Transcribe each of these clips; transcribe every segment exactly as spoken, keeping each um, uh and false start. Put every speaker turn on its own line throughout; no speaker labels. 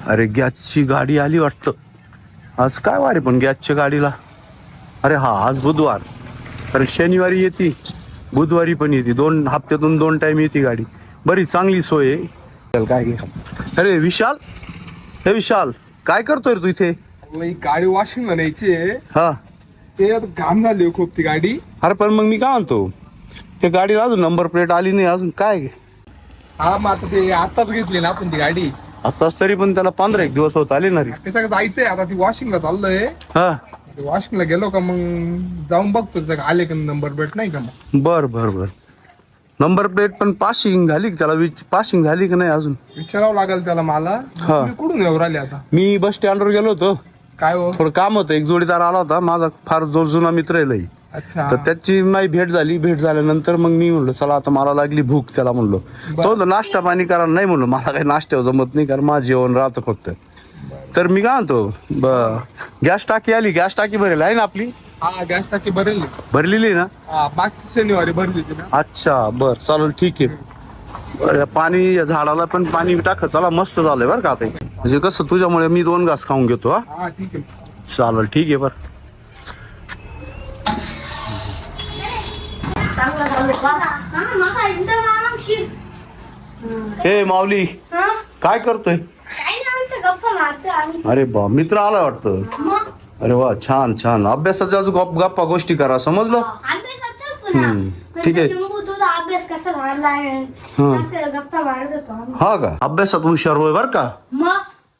अरे गॅसची गाडी आली वाटतं. आज काय वार आहे पण गॅसच्या गाडीला. अरे हा आज बुधवार. अरे शनिवारी येते, बुधवारी पण येते. दोन हप्त्यातून दोन टाइम येते गाडी. बरी चांगली सोय आहे. चल काय घे. अरे विशाल, हे विशाल काय करतोय रे तू इथे?
गाडी वॉशिंगला न्यायची आहे.
हा
ते आता घाण झाली खूप ती गाडी.
अरे पण मग मी काय म्हणतो, त्या गाडीला अजून नंबर प्लेट आली नाही अजून काय?
हा मग आता ते आताच घेतली ना आपण ती गाडी.
आताच तरी पण त्याला पंधरा एक दिवस होत आले ना रे.
ते सगळं जायचंय आता, ती वॉशिंगला चाललोय.
हा
वॉशिंगला गेलो का मग जाऊन बघतो त्याचं आले का नंबर प्लेट नाही का. मग
बर बर बर. नंबर प्लेट पण पासिंग झाली का त्याला? विच पासिंग झाली की नाही अजून?
विचारावं लागेल त्याला मला. तुम्ही कुठून येऊ राहिले आता?
मी बस स्टँडवर गेलो होतो.
काय हो?
थोडं काम होतं. एक जोडीदार आला होता माझा, फार जो जुना मित्र आहे लई.
अच्छा.
तर त्याची माझी भेट झाली. भेट झाल्यानंतर मग मी म्हणलो चला आता मला लागली भूक. त्याला म्हणलो तो नाश्ता पाणी करा. नाही म्हणलो मला काही नाश्त्यावर जमत नाही, कारण माझं जेवण राहतं फक्त. तर मी काय म्हणतो, गॅस टाकी आली. गॅस टाकी भरेल आहे ना आपली?
हा गॅस टाकी भरली
भरलेली आहे ना?
हा मागच्या शनिवारी भरली होती ना.
अच्छा बर चालेल ठीक आहे. बरं, पाणी या झाडाला पण पाणी टाक. चला मस्त झालंय बरं का आता. म्हणजे कसं तुझ्यामुळे मी दोन घास खाऊन घेतो. हा
हा ठीक आहे
चालेल ठीक आहे बरं. हे माऊली काय करतोय? अरे बा मित्र आला वाटतं. अरे वा छान छान. अभ्यासाच्या अजून गप गप्पा गोष्टी करा, समजलं? हम्म ठीक आहे.
अभ्यास कसा झालाय गप्पा मारत होतो.
हा का? अभ्यासात हुशार होय बर का.
मग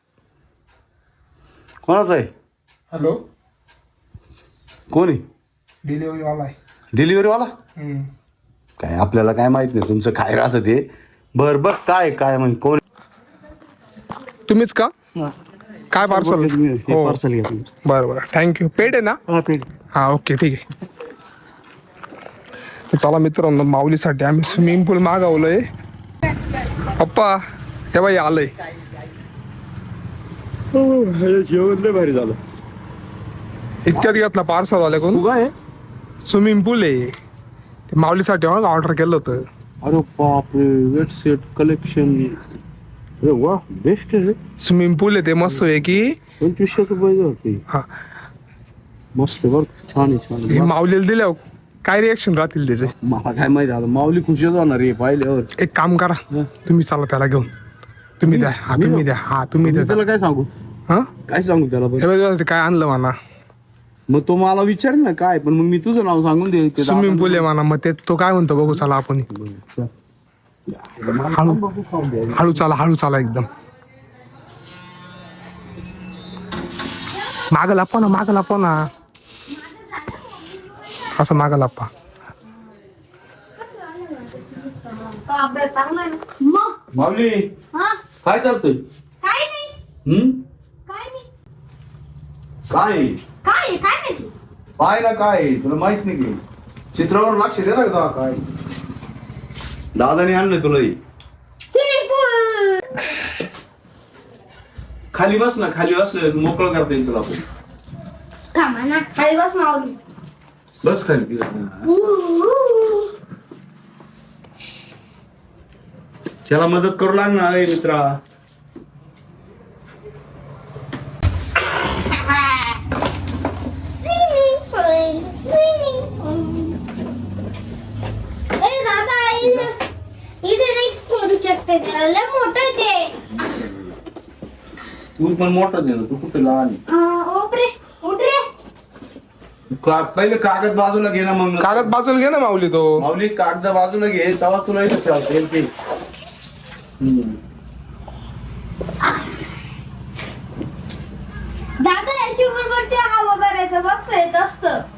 कोणाचा आहे?
हॅलो
कोणी?
डिलिव्हरी वाला आहे.
डिलिव्हरी वाला? काय आपल्याला काय माहित नाही तुमचं काय राहतं ते. बर बर काय काय म्हणजे कोण?
तुम्हीच का? काय पार्सल?
पार्सल घ्या.
बरं बरं थँक्यू. पेड आहे ना? हा ओके ठीक आहे. चला मित्रांनो, माऊलीसाठी आम्ही स्विमिंग पूल मागवलंय. पप्पा हे बाई आलंय.
जेवण लय भारी झालं.
इतक्यात घेतला पार्सल वाल्या कोण?
काय
स्विमिंग पूल आहे ते माऊलीसाठी ऑर्डर केलं होतं.
अरे बापरे, वेट सेट कलेक्शन. अरे वा बेस्ट आहे.
स्विमिंग पूल आहे ते मस्त आहे की.
पंचवीसशे रुपये होते.
हा
मस्त बर छान आहे छान
हे
आहे.
माऊलीला दिल्यावर काय रिएक्शन राहतील त्याचे?
मला काय माहिती आता. माऊली खुशच होणार आहे पाहिल्यावर.
एक काम करा, तुम्ही चला त्याला घेऊन. तुम्ही द्या. हा तुम्ही द्या. हा तुम्ही द्या.
त्याला काय सांगू?
हा
काय सांगू त्याला?
हे बघा ते काय आणलं म्हणा.
मग तो मला विचार ना काय, पण मग मी तुझं नाव सांगून दे.
स्विमिंग पूल आहे म्हणा. मग ते तो काय म्हणतो बघू चला आपण. हळू हळू चाला हळू चाला एकदम. माग लापा ना माग लापा ना असं माग लापा.
माऊली काय करतोय?
काय नाही
हम्म
काय नाही
काय
काय काय नाही तू
पाय ना काय तुला माहित नाही की चित्रावर लक्ष दे ना का काय. दादाने आणलं तुला हे.
Swimming pool.
खाली बस ना, खाली बसलं मोकळं करता येईल तुला.
का म्हणा खाली बस माऊली.
बस खाली. त्याला मदत करू लाग ना मित्रा.
स्विमिंग पूल स्विमिंग पूल. ए दादा इथे इथे नाही करू शकते. त्याला मोठं ते.
तू पण मोठाच आहे ना, तू कुठे लहान आहे?
ओपरे उठरे.
का- पहिले कागद बाजूला घे ना. मग
कागद बाजूला घे ना माऊली. तो
माऊली कागद बाजूला घे, तेव्हा तुला कसं असेल ते.
दादा याची बरोबर ते हवा भरायचं बघ येत असतं.